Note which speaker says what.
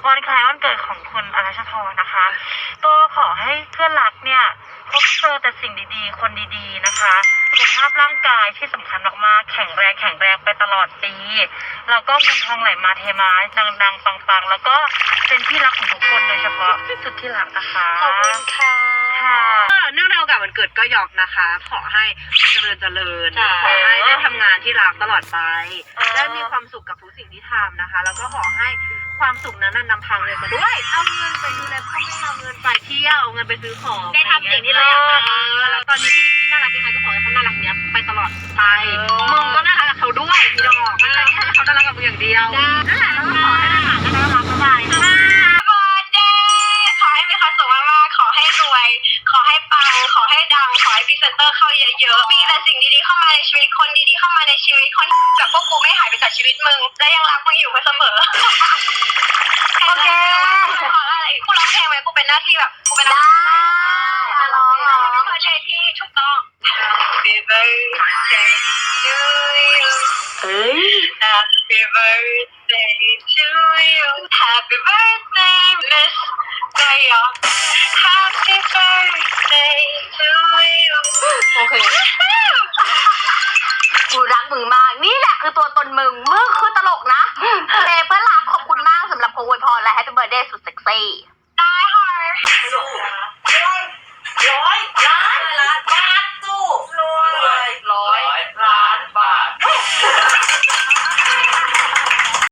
Speaker 1: วันคล้ายวันเกิดของคุณอรัชพรนะคะก็ขอให้เพื่อนรักเนี่ยพบเจอแต่สิ่งดีๆคนดีๆนะคะสุขภาพร่างกายที่สำคัญมากๆแข็งแรงไปตลอดปีแล้วก็เงินทองไหลมาเทมาดังๆปังๆแล้วก็เป็นที่รักของทุกคนโดยเฉพาะสุดที่รักนะคะ
Speaker 2: ขอบคุณค่ะ
Speaker 3: เนื่องในโอกาสวันเกิดก็หยอกนะคะ ขอให้เจริญขอให้ได้ทำงานที่รักตลอดไปได้มีความสุขกับทุกสิ่งที่ทำนะคะแล้วก็ขอให้ความสุขนั้นนำพาเงินมาด้วยเอาเงินไปดูแลพ่อแม่เอาเงินไปเที่ยวเอาเงินไปซื้อของ
Speaker 2: ได้ทำสิ่งที่เราอยากทำ
Speaker 3: แล้วตอนนี้พี่นิกกี้น่ารักยังไงก็ขอให้เขาน่ารักเนี้ยไปตลอดไปมึงก็น่ารักกับเขาด้วยพี่ดอกไม่ใช่แค่เขาน่ารักกับมึงอย่างเดียวนั่นแหละแล้วก็ขอให้ได้หลานน่ารักบ๊ายบาย
Speaker 2: ขอให้มีความสุขมากๆขอให้รวยขอให้ปังขอให้ดังขอให้พรีเซนเตอร์เข้าเยอะๆมีแต่สิ่งดีๆเข้ามาในชีวิตคนดีๆเข้ามาในชีวิตคนแบบพวกกูไม่หายไปจากชีวิตมึงและยังรักมึงอยู่เสมอโอเคขออะไรกูร้องเพลงไหมกูเป็นหน้าที่แบบกูเป็นได้ร้องเพลงที่ถูกต้อง Happy birthday to you Happy birthday to you Happy birthday Miss Gaya Happy birthday to you โอเคกูรักมึงมากนี่แหละคือตัวตนมึงคือตลกนะเพื่อนรักขอบคุณมากสำหรับโอวยพรและ Happy birthday สุดเซ็กซี่ได้ค่ะ